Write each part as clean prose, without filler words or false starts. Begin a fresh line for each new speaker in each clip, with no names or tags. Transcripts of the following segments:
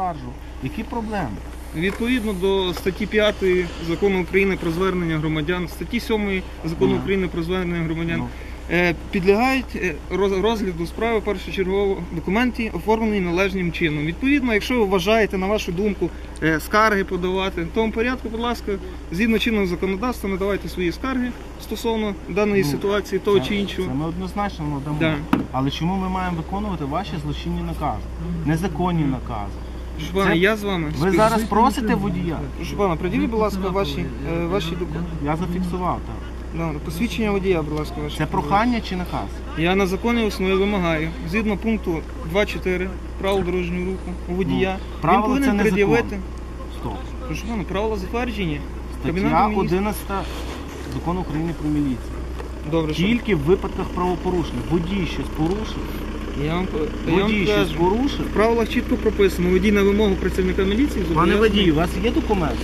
оскаржу. Які проблеми?
Відповідно до статті 5 Закону України про звернення громадян, статті 7 Закону України про звернення громадян, підлягають розгляду справи першочергово документи, оформлені належним чином. Відповідно, якщо ви вважаєте, на вашу думку, скарги подавати, в тому порядку, будь ласка, згідно чинного законодавства, надавайте свої скарги стосовно даної ситуації, того чи іншого.
Це ми однозначно надамо. Да. Але чому ми маємо виконувати ваші злочинні накази? Незаконні накази.
Прошу пана, я з вами.
Ви зараз просите водія?
Прошу пана, приділіть, будь ласка, ваші документи.
Я зафіксував, так.
Добре, посвідчення водія, будь ласка, ваше.
Це прохання чи наказ?
Я на законній основі вимагаю, згідно пункту 2.4 правил дорожнього руху у водія, він повинен пред'явити.
Стоп.
Прошу пана, правила затверджені.
Стаття 11 Закону України про міліцію.
Добре,
тільки в випадках правопорушень. Водій щось порушив.
Водій щось порушив. В правилах чітко прописано, водій на вимогу працівника міліції.
Пане водій, у вас є документи?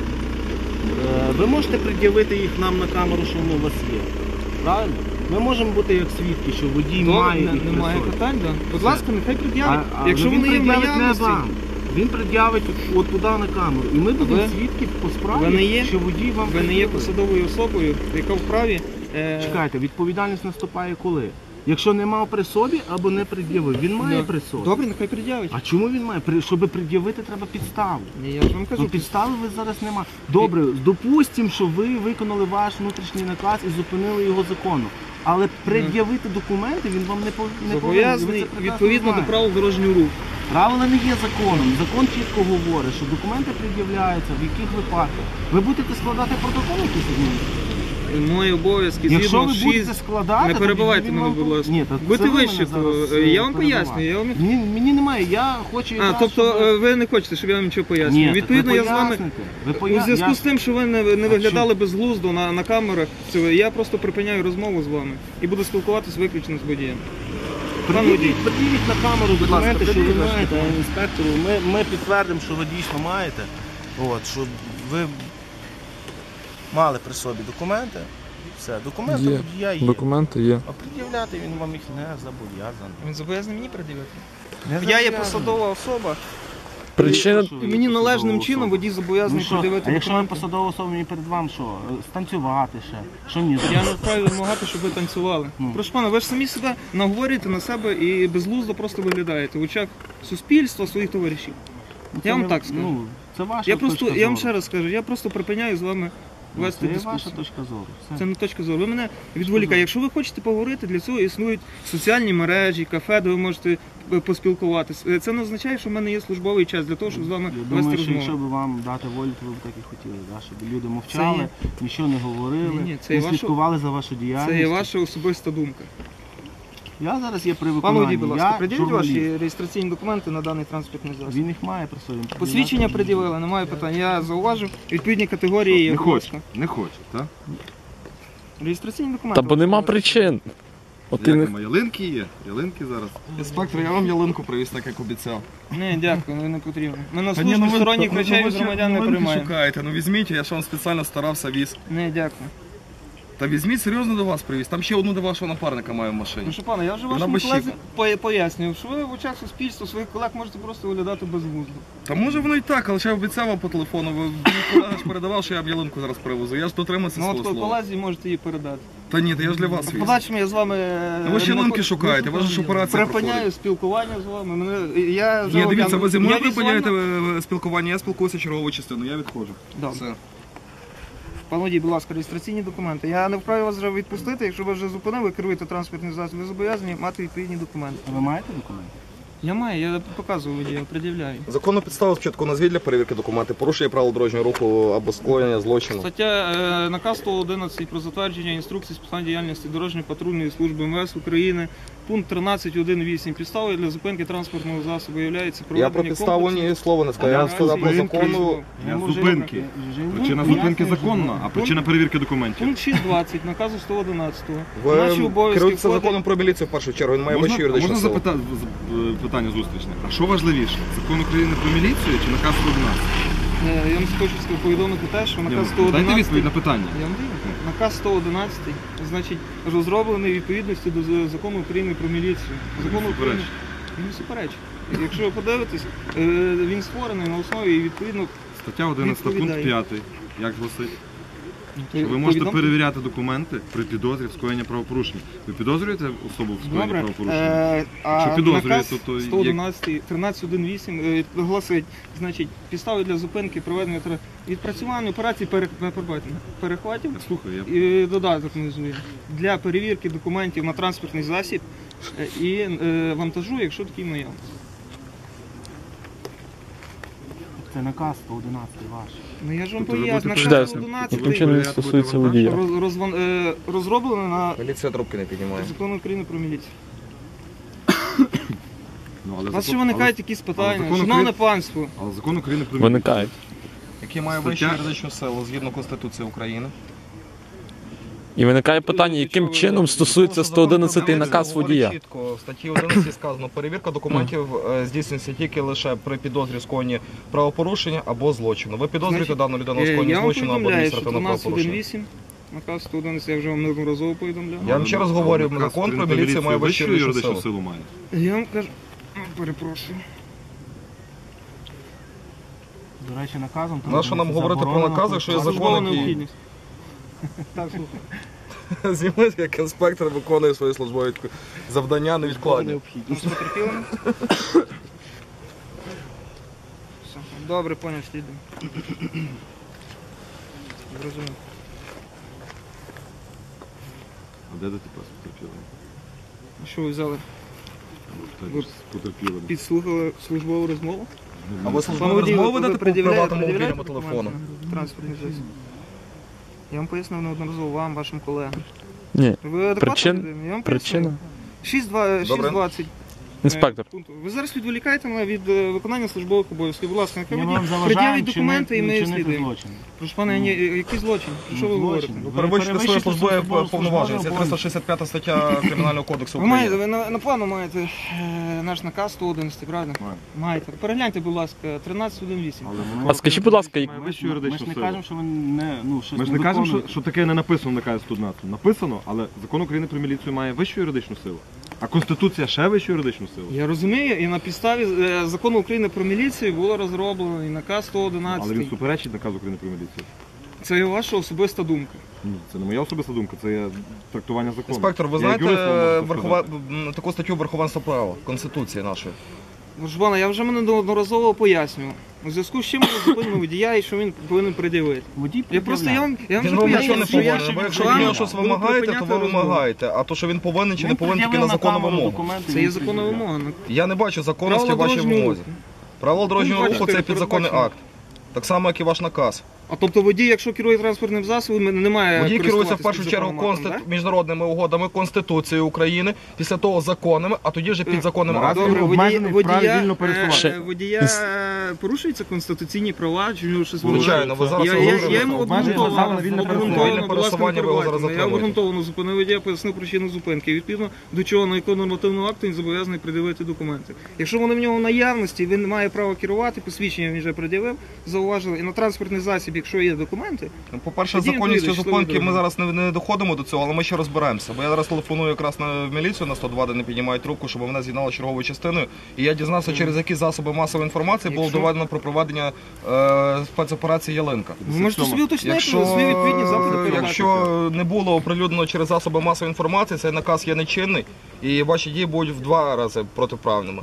Ви можете пред'явити їх нам на камеру, що вони у вас є. Правильно? Ми можемо бути як свідки, що водій має їх.
Немає питань, так. Будь ласка, нехай пред'явить. Якщо вони є в наявності.
Він пред'явить от туди на камеру. І ми будемо свідки по справі, що водій вам
Ви не є посадовою особою, яка вправі...
Чекайте, відповідальність наступає коли? Якщо не мав при собі або не пред'явив, він має при собі.
Добре, нехай пред'явить.
А чому він має? Щоб пред'явити, треба підставу.
Я ж вам кажу.
Підстави ви зараз немає. Добре, допустимо, що ви виконали ваш внутрішній наказ і зупинили його законно. Але пред'явити документи він вам не повинен.
Зобов'язаний відповідно до правил дорожнього руху.
Правила не є законом. Закон чітко говорить, що документи пред'являються, в яких випадках. Ви будете складати протокол якийсь адміністративний?
Мої обов'язки,
якщо ви будете складати,
не перебивайте мене, будь ласка. Будьте вище, то я вам пояснюю.
Мені немає, я хочу...
Тобто ви не хочете, щоб я вам нічого пояснював? Відповідно, я з вами, у зв'язку з тим, що ви не виглядали безглуздо на камерах, я просто припиняю розмову з вами і буду спілкуватися виключно з водієм.
Приділіть на камеру документи, що ви маєте, інспектору. Ми підтвердимо, що ви дійсно маєте, що ви мали при собі документи. Все, документи водія є.
Документи є.
А пред'являти він вам їх не зобов'язаний.
Він зобов'язаний мені пред'явити? Я є посадова особа. Мені належним чином водій зобов'язаний пред'явити документи.
А якщо ви посадова особа, мені перед вами що? Станцювати ще? Що мені зробити?
Я не вправі вимагати, щоб ви танцювали. Прошу пана, ви ж самі себе наговорюєте на себе і безглуздо просто виглядаєте в очах суспільства, своїх товаришів. Я вам так скажу.
Це ваша точка зору.
Я вам ще раз скажу, я просто припиняю з вами вести дискусію.
Це ваша точка зору.
Це не точка зору. Ви мене відволікаєте. Якщо ви хочете поговорити, для цього існують соціальні мережі, кафе, де ви можете поспілкуватися. Це не означає, що в мене є службовий час для того, щоб з вами вести розмову.
Якщо б вам дати волю, то ви б так і хотіли, щоб люди мовчали, нічого не говорили, не слідкували за вашу діяльність.
Це є ваша особиста думка.
Я зараз є при виконанні.
Пане водій, будь ласка, пред'явіть ваші реєстраційні документи на даний транспортний засіб.
Він їх має при собі.
Посвідчення пред'явили, немає питань. Я зауважив, відповідні категорії є.
Не хоче, так?
Реєстраційні документи.
Та бо нема причин.
Ялинки є, ялинки зараз. Інспектор, я вам ялинку привіз, так як обіцяв.
Ні, дякую, не потрібно. Ми на службі сторонніх речей від громадян не приймаємо.
Шукаєте, візьміть, я ж вам спеціально старався віз.
Ні, дякую.
Та візьміть, серйозно до вас привіз. Там ще одну до вашого напарника маю в машині.
Ну що, пане, я вже вашому колезі пояснюю, що ви в очах суспільства своїх колег можете просто виглядати безглуздо.
Та може воно і так, але ще я обіцяв вам по телефону. Мій колега ж передавав, що я вам ялинку зараз привезу. Я ж дотримався свого слова.
Ну от колезі можете її передати.
Та ні, я ж для вас віз.
Подальшому я з вами...
Ви ж ялинки шукаєте, ваша ж операція проходить.
Припиняю спілкування з вами.
Ні, дивіться, ви зі мною припиняєте спілкування, я спілкуюся чергову частину, я відходжу.
Добре. Пане водій, будь ласка, реєстраційні документи. Я не вправі вас вже відпустити, якщо ви вже зупинили, ви керуєте транспортним засобом, ви зобов'язані мати відповідні документи.
А ви маєте документи?
Я маю, я показую водію, пред'являю.
Законну підставу спочатку назвіть для перевірки документи, порушення правил дорожнього руху або скоєння злочину.
Стаття наказ 111 про затвердження інструкції з питань діяльності дорожньої патрульної служби МВС України. Пункт 13.1.8. Підставою для зупинки транспортного засобу являється проведення
Я про підставу ні слова не сказав. Я сказав по закону.
Зупинки. Причина зупинки законна, а причина перевірки документів.
Пункт 6.20 наказу 111.
Ви керуєтеся законом про міліцію в першу чергу, він має вищу юридичну силу.
Можна питання зустрічне? А що важливіше? Закон України про міліцію чи наказ 111?
Я вам хочу повідомити те, що наказ 111...
Дайте відповідь на питання.
Я вам даю. Наказ 111, значить, розроблений у відповідності до закону України про міліцію. Закону України... Він не суперечить. Якщо ви подивитесь, він створений на основі і відповідно
Стаття 11, пункт
Відповідає.
5. Як гласить? Що ви можете перевіряти документи при підозрі в скоєнні правопорушення. Ви підозрюєте особу в скоєнні
Добре.
правопорушення?
А
Що підозрюєте,
наказ
то є-
111, 13.1.8 гласить, значить, підстави для зупинки, проведення відпрацювання операцій перехватів
Слухай, я
і додаток внизу є. Для перевірки документів на транспортний засіб і вантажу, якщо такий наявний.
Це наказ 111 ваш.
Ну я ж вам
Тобто ви
поясню,
будете
наказ
Чудесно.
111
Яким чином він стосується водія?
розроблений на
Поліція трубки не піднімає.
Закон України про міліцію.
Ну, але
У вас ще
закон-
виникають якісь питання.
закон
Шановне
України-
панство,
Але закон України про
Виникають.
Який має
Стаття-
вищу юридичну силу згідно Конституції України.
І виникає питання, яким чином стосується 111 наказ
Говорить
водія.
Чітко, в статті 11 сказано, перевірка документів здійснюється тільки лише при підозрі скоєнні правопорушення або злочину. Ви підозрюєте
Значить,
дану людину у скоєнні
я вам
злочину або
повідомляю, що
адміністративного правопорушення?
13.1.8, наказ 111, я вже вам неодноразово повідомляв.
Я вам ще раз говорю,
наказ
закон про
України
міліцію має вищу юридичну силу.
силу має.
Я вам кажу, перепрошую.
До речі, наказом...
Нащо нам говорити про
заборонено
накази, що є
Службова
закон, який...
необхідність. Так, слухай.
Зніми, як інспектор виконує свої службові завдання невідкладні.
Ну, з потерпілими? Все. Добре, поняв, слідуємо. Зрозумів.
А де ти тепер з потерпілими?
Що ви взяли? Ви
З потерпілими.
підслухали службову розмову?
А ви
Пане
службові
водію,
розмови
ви
ведете по
пред'являєте
приватному мобільному
документи
телефону?
на транспортний засіб? Я вам пояснив неодноразово вам, вашим колегам.
Ні.
Ви адекватно
Причин-
людина? Я вам
Причина.
пояснив. 6.20.
Інспектор.
Пункту. Ви зараз відволікаєте мене від виконання службових обов'язків. Будь ласка,
Ми
нехай
вам
водій
заважаємо
пред'явить документи і ми
чинити
слідуємо.
злочин.
Прошу пане, який злочин? Про що ви говорите?
Злочин.
Ви перевищуєте свої службові
службові
повноваження. Це
обов'язки.
365 стаття Кримінального кодексу
Ви маєте,
України.
ви на плану маєте наш наказ 111, правильно? Маєте. Перегляньте, будь ласка, 13.1.8.
А скажіть, будь ласка,
Має вищу
Ми
юридичну
ж не
силу.
кажемо, що ви не, ну, щось
Ми ж
не
не кажемо,
виконуєте.
що таке не написано в наказі 111. Написано, але закон України про міліцію має вищу юридичну силу. А Конституція ще вищу юридичну силу.
Я розумію, і на підставі закону України про міліцію було розроблено і наказ
Але він
111.
суперечить наказу України про міліцію.
Це є ваша особиста думка.
Ні, це не моя особиста думка, це є трактування закону.
Інспектор, ви
Я
знаєте
як юрист вам можу сказати.
таку статтю верховенства права Конституції нашої?
Жбана, я вже мене неодноразово пояснював. У зв'язку з чим ми зупинили водія і що він повинен пред'явити.
Водій
Я просто я вам
Він
вже
вам нічого не
пояснюю, що я
повинен. Бо якщо
вам
від нього щось
буду
вимагаєте, то
припиняти
ви
розмову.
вимагаєте. А то, що він повинен чи не повинен, тільки на законну вимогу.
Це є законна вимога.
Я не бачу законності в
Правила
вашій
дорожнього
вимозі.
руху.
Правила дорожнього
бачите,
руху це
передбачено.
підзаконний акт. Так само, як і ваш наказ.
А тобто водій, якщо керує транспортним засобом, не має
Водій керується в
користуватися
першу чергу
підзаконним актом,
міжнародними угодами Конституцією України, після того законними, а тоді вже підзаконним
так?
актом.
Добре,
обмежений в праві вільно
пересуватися.
водія порушуються конституційні права, чи в нього щось
Звичайно, ви зараз
Я
говорите.
йому
Обмежується право на вільне
обґрунтовано,
Вільне
будь ласка,
пересування ви його зараз
я
затримуєте.
обґрунтовано зупинив водія, пояснив причину зупинки. Відповідно до чого, на якого нормативного акту він зобов'язаний пред'явити документи. Якщо вони в нього в наявності, він не має права керувати, посвідчення він вже пред'явив, зауважили. І на транспортний засіб, якщо є документи,
Ну, по-перше,
Тоді
законністю
вийде,
зупинки
що ви
ми зараз не доходимо до цього, але ми ще розберемося. Бо я зараз телефоную якраз в міліцію на 102, де не піднімають трубку, щоб мене з'єднали з черговою частиною. І я дізнався, через які засоби масової інформації було
Якщо-
доведено про проведення спецоперації Ялинка.
ви можете собі уточнити свої відповідні заходи передати.
Якщо не було оприлюднено через засоби масової інформації, цей наказ є нечинний, і ваші дії будуть в 2 рази протиправними.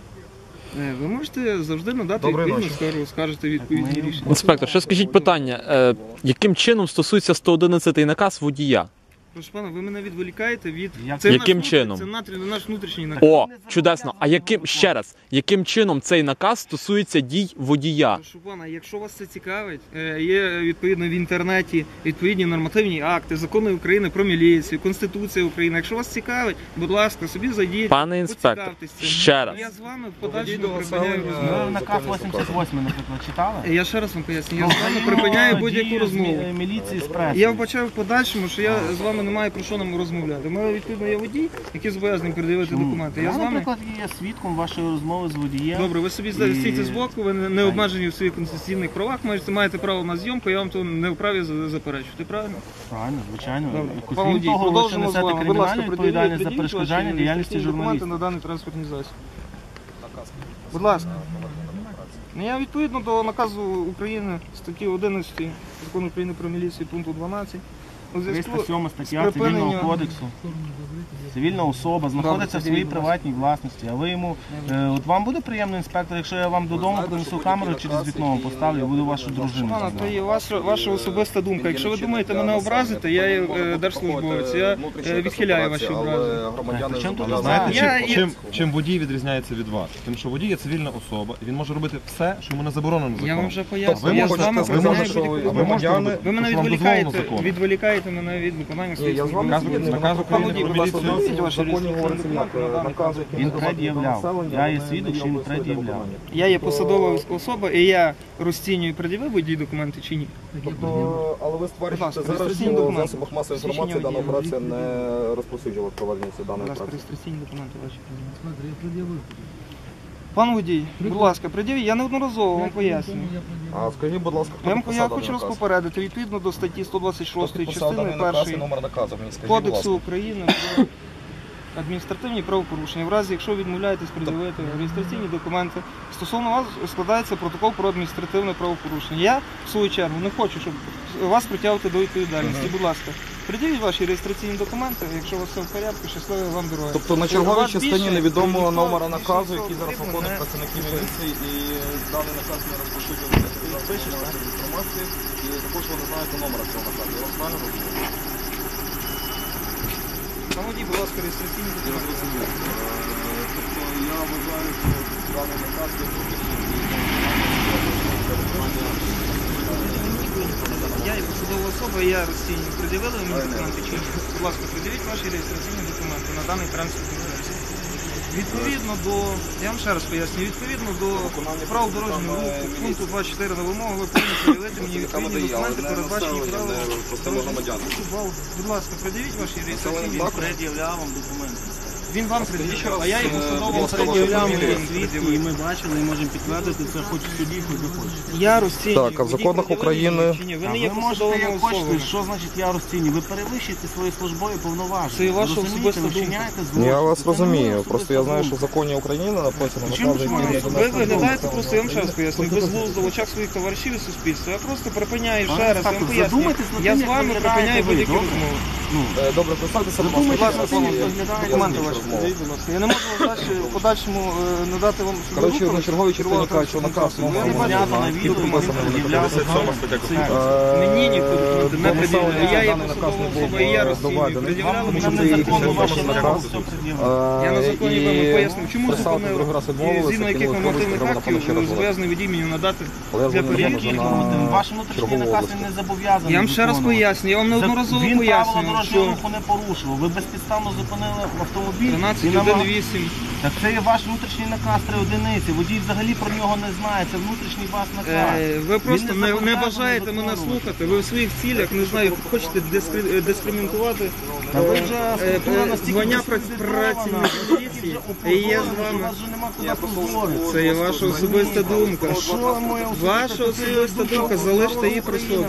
Ви можете завжди надати
Доброї
відповідну скаргу, скажете відповідні рішення.
Інспектор, ще скажіть питання, яким чином стосується 111 наказ водія?
Прошу пана, ви мене відволікаєте від...
Як-
Це
Яким
наш
чином?
Це наш внутрішній наказ.
О, чудесно. А ще раз, яким чином цей наказ стосується дій водія?
Прошу пана, якщо вас це цікавить, є відповідно в інтернеті відповідні нормативні акти, закони України про міліцію, Конституція України. Якщо вас цікавить, будь ласка, собі зайдіть,
Пане інспектор,
поцікавтесь цим.
ще раз.
Я з вами в подальшому
До
припиняю
населення.
розмову.
Ви наказ 88, наприклад, читали?
Я ще раз вам поясню, я з вами припиняю будь-яку розмову.
Міліції з преси.
Я вбачаю в подальшому, що я з вами не маю про що нам розмовляти. У мене відповідно є водій, який зобов'язаний передавати документи. Я з вами.
наприклад, є свідком вашої розмови з водієм.
Добре, ви собі стійте збоку, ви не обмежені в своїх конституційних правах, маєте право на зйомку, я вам то не вправі заперечувати. Правильно?
Правильно, звичайно.
Добре.
Крім
Пане водій,
того, ви ще
продовжимо з
несете
вами. Будь ласка,
кримінальну відповідальність за
пред'явіть
перешкоджання
ваші
діяльності
реєстраційні документи
журналістів.
на даний транспортний засіб. Будь ласка. Ну, я відповідно до наказу України статті 11 Закону України про міліцію пункту 12. У зв'язку
307
з
стаття Цивільного
припиненням-
кодексу. Цивільна особа знаходиться в своїй приватній власності, а ви йому... От вам буде приємно, інспектор, якщо я вам додому принесу камеру через вікно поставлю і буду вашу дружину
Пане,
знімати?
то є ваша особиста думка. Якщо ви думаєте мене образити, я є держслужбовець, я відхиляю ваші образи.
Причому тут
Знаєте, чим водій відрізняється від вас? Тим, що водій є цивільна особа, і він може робити все, що йому не заборонено законом.
Я вам вже
Тобто
поясню. Я з вами
ви
припиняю
можете,
будь-яку
ви можете
допомогу.
робити,
Ви мене
що вам дозволено законом.
відволікаєте мене від виконання своїх
я з вами
службових
згідний.
Наказ України про міліцію.
Він пред'являв. Я є свідок, що він пред'являв.
Я є посадова особа, і я розцінюю, пред'явив водій документи чи ні.
Але ви стверджуєте
Будь ласка,
зараз,
реєстраційні
що в
документи.
засобах масової
Свідчення
інформації дана
водія.
операція не розповсюджувала проведення даної
Будь ласка,
операції.
реєстраційні документи ваші. Пан водій, будь ласка, пред'явіть, я неодноразово вам пояснюю.
А скажіть, будь ласка, хто
Я
підписав
хочу
даний
вас
наказ?
попередити, відповідно до статті
Хто
126
підписав
частини
даний наказ і
1
номер наказу? Мені скажіть, будь
Кодексу
ласка.
України про адміністративні правопорушення. В разі, якщо відмовляєтесь пред'явити реєстраційні документи, стосовно вас складається протокол про адміністративне правопорушення. Я, в свою чергу, не хочу, щоб вас притягувати до відповідальності. Будь ласка, пред'явіть ваші реєстраційні документи, якщо у вас все в порядку, щасливої вам дороги.
Тобто на черговій
Вас
частині
більше
невідомого
ніхто
номера
більше
наказу,
нічого
який зараз
потрібно
виконують
не-
працівники міліції, і даний наказ не розпоширюється інформації, і також ви не знаєте номера цього наказу. Я вас правильно розумію?
Наводіть, будь ласка, реєстраційні документи.
Тобто я вважаю, що даний наказ є
Я є посадова особа, і я розцінюю. Пред'явили ви мені документи чи ні? Будь ласка, пред'явіть ваші реєстраційні документи на даний транспортний засіб. Відповідно до, я вам ще раз поясню, відповідно до правил дорожнього руху, пункту 24 на вимогу, ви повинні пред'явити мені відповідні документи, передбачені правилами. Будь ласка, пред'явіть ваші реєстраційні документи.
Пред'являв вам документи.
Він вам пред'явив, а я є посадова особа.
Пред'являв свідки, і ми бачили, і можемо підтвердити це хоч в суді, хоч де хочете.
Я розцінюю.
Так, а в
водій
законах
пред'явив
України-
мені чи ні? Ви не є
Ви можете,
посадовою
як хочете,
особою.
що значить я розцінюю? Ви перевищуєте свої службові повноваження.
Це і ваша
Розумієте?
особиста
Ви
думка.
вчиняєте злочин.
Я вас
Це не моя
розумію,
особиста
просто я знаю, що в
думка.
законі України написано
Чому
накази,
ж
які
ви-
не
Ви виглядаєте просто, я вам ще раз поясню, безглуздо в очах своїх товаришів і суспільства. Я просто припиняю ще раз, я вам пояснюю.
Задумайтесь над
Я
тим,
з
як
вами
виглядаєте
припиняю
ви,
будь-які
добре?
розмови.
Добре, представтеся, будь
Задумайтесь
ласка,
над тим, як
я
виглядаєте
Документи
я
ваші,
розмову.
подивіть, будь ласка. Я не можу вам далі в подальшому надати вам
Коротше, на черговій частині
керувати
кажуть, що наказ
транспортним засобом. Я не
номер
бачу.
Знято на відео, він пред'являв документи.
Мені ніхто документи не пред'являє. Я є
даний наказ
посадова
не був
особа, і я розцінюю.
доведений.
Пред'являли
Вам
мені
нам
що це
незаконно
якийсь
ваші
наказ.
вимоги все пред'явили.
Я на законі вам пояснив, чому
писати
зупинили,
другий раз
і
відмовилися,
згідно яких
кинули
нормативних
треба, напевно, ще раз
актів
було.
зобов'язаний водій мені надати
Але я
для
дзвоню
перевірки.
на
Ваш внутрішній
чергову
наказ
область.
він не зобов'язаний.
Я вам ще раз
виконувати.
поясню, я вам неодноразово
Він правила
пояснюю,
дорожнього
що
руху не порушував. Ви безпідставно зупинили автомобіль. і
13.1.8.
Так це є ваш внутрішній наказ 3 одиниці. Водій взагалі про нього не знає. Це внутрішній ваш наказ.
Ви просто
Він
не
зобов'язаний
бажаєте мене
виконувати.
слухати. Ви в своїх цілях, не знаю, хочете дискримінувати
Та ви вже структура настільки
звання
дискредитована,
працівників міліції,
вже
і я з
опозорена, що
вами.
у вас вже нема куди позоритися.
Це є ваша особиста думка.
Що моя
Ваша особиста думка, залиште її при собі.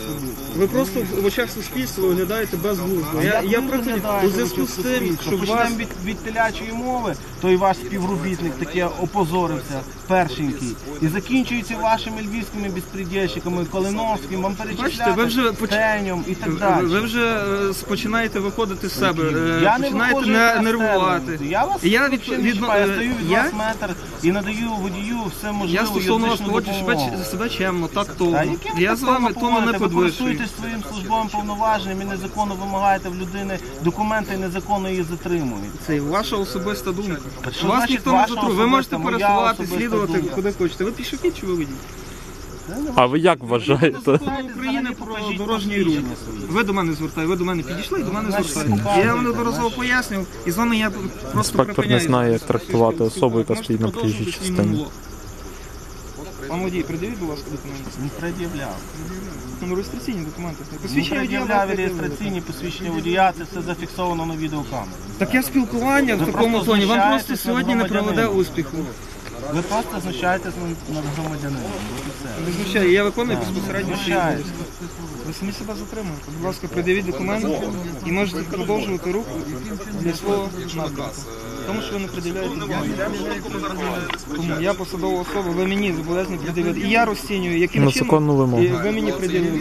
Ви просто в очах суспільства виглядаєте безглуздо. Я приходжу у зв'язку з тим, щоб вас...
Почнемо від телячої мови, той ваш співробітник таке опозорився, першенький. І закінчується вашими львівськими безпредельщиками, Калиновським, вам
Бачите, ви вже
перечисляти, Стеньом і так далі.
Ви вже починаєте виходити з себе,
Я не
починаєте
виходжу на
нервувати.
сцену. Я вас
Я
взагалі не чіпаю. Я стою від
я-
вас метр і надаю водію все можливе
Я стосовно вас
юридичну
поводжу
допомогу.
себе чемно, тактовно.
Та яким
Я з вами
законом
тону не
поводите? Ви
підвищую.
користуєтесь своїм службовим повноваженням і незаконно вимагаєте в людини документи і незаконно її затримуєте.
Це ваша особиста думка.
що
Вас
значить
ніхто не
ваша
затрує. Ви можете
особиста, моя
пересувати,
особиста
слідувати
думка?
куди хочете. Ви пішохід чи ви водій?
А ви як вважаєте?
Закон України про дорожній рух. Ви до мене звертаєте, ви до мене підійшли і до мене звертаєте. Я вам неодноразово пояснював, і з вами я просто
Інспектор не
припиняю.
знає, як трактувати особу, яка
Можете
стоїть на
продовжувати
проїжджій
свій
частині.
монолог. Пан водій, придивіть, будь ласка, документи.
Не пред'являв.
Ну, реєстраційні документи.
Не
Посвідчення водія ви
пред'являв і
пред'явили.
реєстраційні посвідчення водія, це все зафіксовано на відеокамеру.
Таке спілкування в
Ви
такому
просто
тоні вам просто
знущаєтесь
сьогодні не
над
проведе
громадянином.
успіху.
Ви просто знущаєтесь над громадянином. От і все.
Не знущаю, я виконую безпосередньо свої
Знущаєтесь.
обов'язки. Ви самі себе затримуєте. Будь ласка, пред'явіть документи і можете продовжувати рух для свого напрямку. Тому що ви не пред'являєте документи. Тому я посадова особа, ви мені зобов'язані пред'явити. І я розцінюю, яким
На
чином
законну вимогу.
і ви мені пред'явили.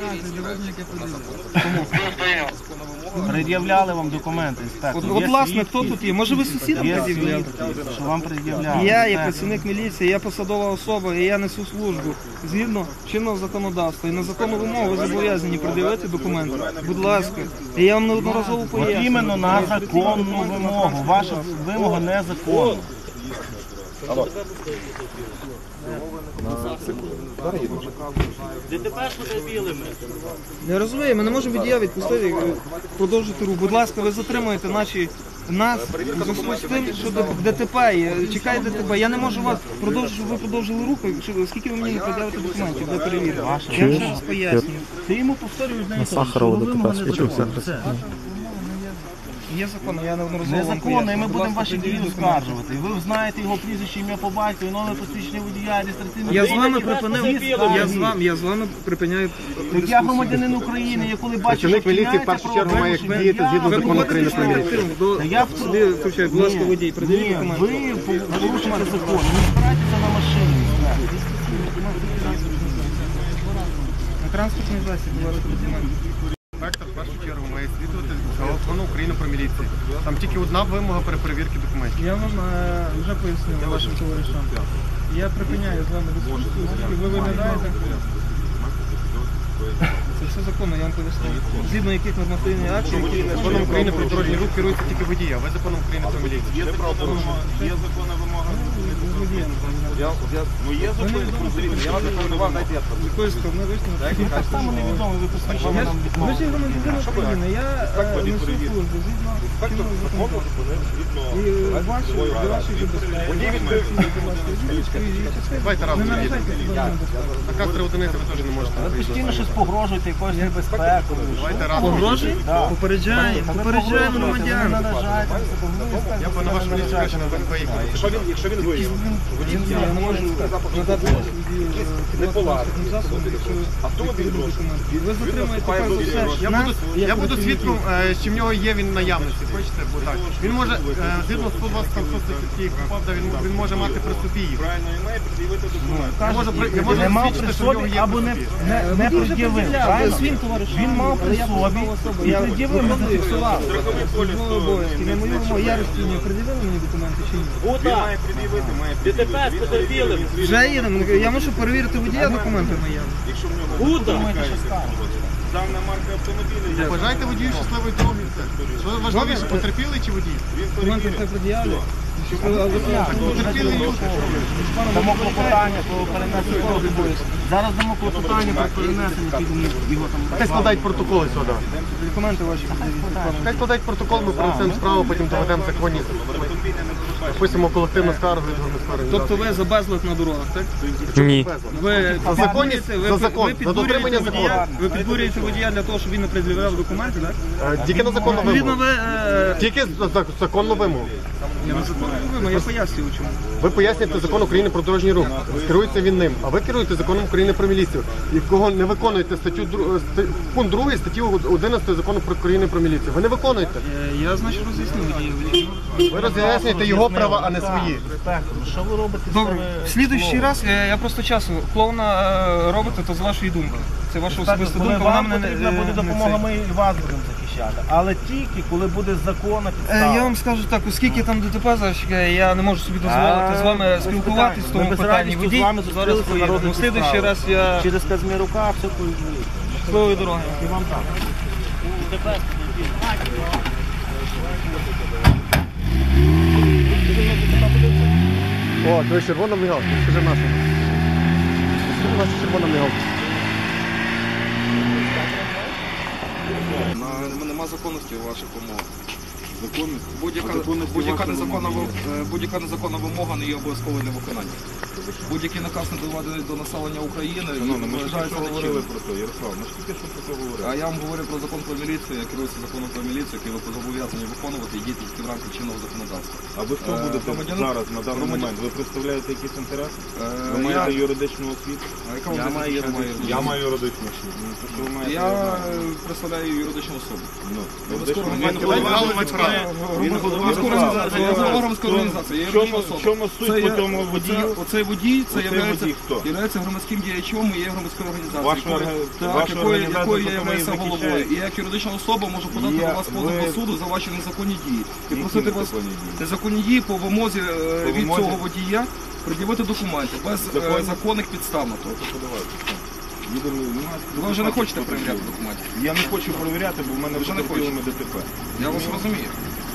Пред'являли вам документи, інспектор.
От
Є
власне,
свідки?
хто тут є? Може ви сусідам
Є
пред'являли?
свідки, що вам пред'являли.
Я є
Інспектор.
працівник міліції, я посадова особа, і я несу службу згідно чинного законодавства. І на законну вимогу ви зобов'язані пред'явити документи. Будь ласка. І я вам неодноразово
От
пояснюю.
іменно на законну вимогу. Ваша вимога незаконна.
Я розумію, ми не можемо водія відпустити і продовжити рух. Будь ласка, ви затримуєте нас у зв'язку з тим, що ДТП є. Чекає ДТП. Я не можу вас продовжити, щоб ви продовжили рух, оскільки ви мені не пред'явите документів для перевірки. Я вам ще раз пояснюю.
Ти йому повторюєш, знаєш, що
Сахарова
вимога
ДТП,
незаконна. Все.
Є закон, я неодноразово вам
Незаконно, і ми
пояснюю. Будь
будемо
ласка,
ваші дії
пред'явіть документи.
оскаржувати. Ви знаєте його прізвище, ім'я по батькові, номер посвідчення водія, реєстраційний.
Я з
номер.
вами припинив, я з вами припиняю
Так я громадянин України, я коли бачу, що
Працівник міліції в
вчиняється
першу чергу має
правопорушення,
діяти згідно
Ви
закону України про міліцію.
активно до
Та я в
сюди включаю, будь ласка, водій, пред'явіть
Ні,
документи.
ви порушуєте закон, не збирайтеся на машині.
На транспортний засіб, будь ласка, документи.
Інспектор в першу чергу має слідувати закону України про міліцію. Там тільки одна вимога при перевірці документів.
Я вам вже пояснив вашим товаришам. Я припиняю з вами дискусію, оскільки ви виглядаєте. Це все законно, я вам пояснив. Згідно яких нормативних актів, які
Законом України про дорожній рух керується тільки водій, а ви законом України про міліцію.
Є правопорушення, є законна вимога. Є закони про я вас запропонував, дайте я
з якої сторони висновок.
Так само невідомо, ви посвідчення нам
Ви
відмовили.
ж є громадянин України, я несу службу згідно чинного законодавства. І для вашої безпеки.
Давайте разом
Не
їдемо.
наражайте себе на небезпеку.
Наказ 3 одиниці ви теж не можете.
Ви постійно щось погрожуєте, якоюсь небезпекою.
Давайте разом.
Погрожує? Попереджає громадян.
Не наражайте.
Я б на вашу міліцію краще не поїхав.
Якщо він виїзд.
Я не можу надати транспортним засобом, якщо ви документи. Ви затримуєте перш за все нас,
Я буду свідком, чи в нього є він в наявності. Хочете? Бо так. Він може, згідно 120 статті КУПАП, він може мати при собі їх.
Правильно, і має пред'явити документ.
Я можу
Не мав при
засвідчити, що в нього
собі
є
або
при
не
собі.
не пред'явив. Правильно?
Своїм товаришам.
Він мав при собі і пред'явив, ми зафіксували.
Обов'язки. Не мою вимогу. Я розцінюю. Пред'явили мені документи чи ні?
Він має пред'явити, має пред'явити.
Вже їдемо. Я можу перевірити водія документи наявні.
Якщо в нього дана марка автомобіля,
Бажайте водію щасливої дороги. Що важливіше, потерпілий чи водій?
Документи все пред'явлю.
Потерпілий люди.
Дамо клопотання про перенесення обов'язків. Зараз дамо клопотання про перенесення під його там.
Хай складають протоколи сюди.
Документи ваші пред'явіть.
Хай складають протокол, ми принесемо справу, потім доведемо законність. Напишемо колективну скаргу від громадської
Тобто
організації.
ви за безлад на дорогах, так?
Ні.
Ви
За законність, за закон, за дотримання закону.
Ви підбурюєте водія для того, щоб він не пред'являв документи, так?
Тільки на законну
Відповідно,
вимогу.
ви...
Тільки за законну вимогу.
Я пояснюю, чому.
Ви пояснюєте закон України про дорожній рух. Керується він ним. А ви керуєте законом України про міліцію. І кого не виконуєте пункт 2 статті 11 закону про України про міліцію. Ви не виконуєте.
Я, значить, роз'яснив водію.
Ви роз'яснюєте його права, а не свої.
Що ви робите?
Добре, в слідуючий раз я просто часу клоуна робите, то з вашої думки. Це ваша особиста
Коли
думка, вона
вам
мене
потрібна буде допомога, ми і вас будемо захищати. Але тільки, коли буде законна підстава.
Я вам скажу так, оскільки там ДТП зараз чекає, я не можу собі дозволити з вами спілкуватись в тому
Ми без
питанні.
радістю
Водій
з вами
зараз
зустрілися
поїде.
народній
В слідуючий
справі.
раз я
Через Казмірука все поїздить.
щасливої дороги.
І вам так.
О, то червона мигалка. Скажи нашу. Скажи нашу червона мигалка.
Нема законності у ваших умовах. Будь-яка незаконна вимога не є обов'язковою для виконання. Будь-який наказ не доведений до населення України, вважається нечинним.
про це, Ярослав, ми ж тільки що про це говорили.
А я вам говорю про закон про міліцію, я керуюся законом про міліцію, який ви зобов'язані виконувати і діти тільки в рамках чинного законодавства.
А ви хто будете зараз, на даний момент? Ви представляєте якісь інтереси? Ви маєте юридичну освіту? Я маю юридичну освіту. Ну, то, що ви маєте,
Я представляю юридичну особу. Громадська організація. Я юридична особа.
В чому суть по тому водію?
Оцей водій, це
Оцей водій хто?
є громадським діячом і є громадською організацією,
Вашу організацію,
якою я
яку ви
являюся головою.
захищаєте?
І як юридична особа можу подати до вас позов до суду за ваші незаконні дії. І просити вас незаконні дії по вимозі від цього водія пред'явити документи без законних підстав на то. Ви вже не хочете перевіряти документи?
Я не хочу перевіряти, бо в мене вже не поїли ДТП.
Я вас розумію.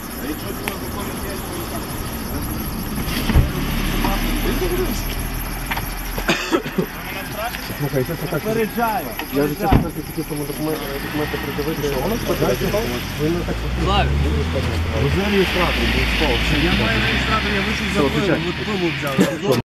Слухай, це так. Я вже чесно хотів тому документи придивити. Ви не так
Вже реєстратор був. Я маю реєстратор, я вийшов за пиво, взяв.